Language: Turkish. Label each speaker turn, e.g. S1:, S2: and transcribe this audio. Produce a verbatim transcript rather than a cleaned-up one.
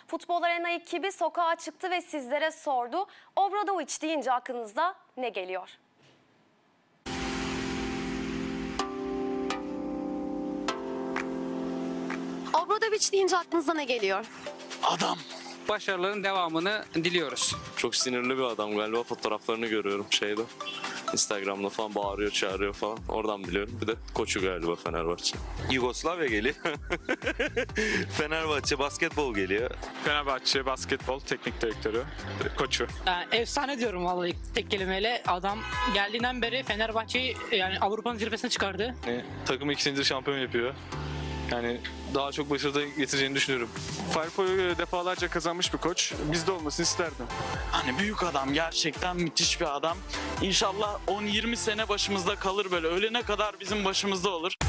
S1: Futbol Arena ekibi sokağa çıktı ve sizlere sordu. Obradovic deyince aklınızda ne geliyor? Obradovic deyince aklınıza ne geliyor?
S2: Adam.
S3: Başarıların devamını diliyoruz.
S4: Çok sinirli bir adam galiba, fotoğraflarını görüyorum şeyde. Instagram'da falan bağırıyor, çağırıyor falan. Oradan biliyorum. Bir de koçu galiba Fenerbahçe.
S5: Yugoslavya geliyor. Fenerbahçe basketbol geliyor.
S2: Fenerbahçe basketbol teknik direktörü, koçu.
S6: Yani efsane diyorum vallahi tek kelimeyle. Adam geldiğinden beri Fenerbahçe'yi yani Avrupa'nın zirvesine çıkardı.
S2: Yani, takımı ikinci şampiyon yapıyor. Yani daha çok başarıda getireceğini düşünüyorum. Falcao'yu defalarca kazanmış bir koç. Bizde olmasını isterdim.
S7: Hani büyük adam, gerçekten müthiş bir adam. İnşallah on yirmi sene başımızda kalır böyle. Ölene kadar bizim başımızda olur.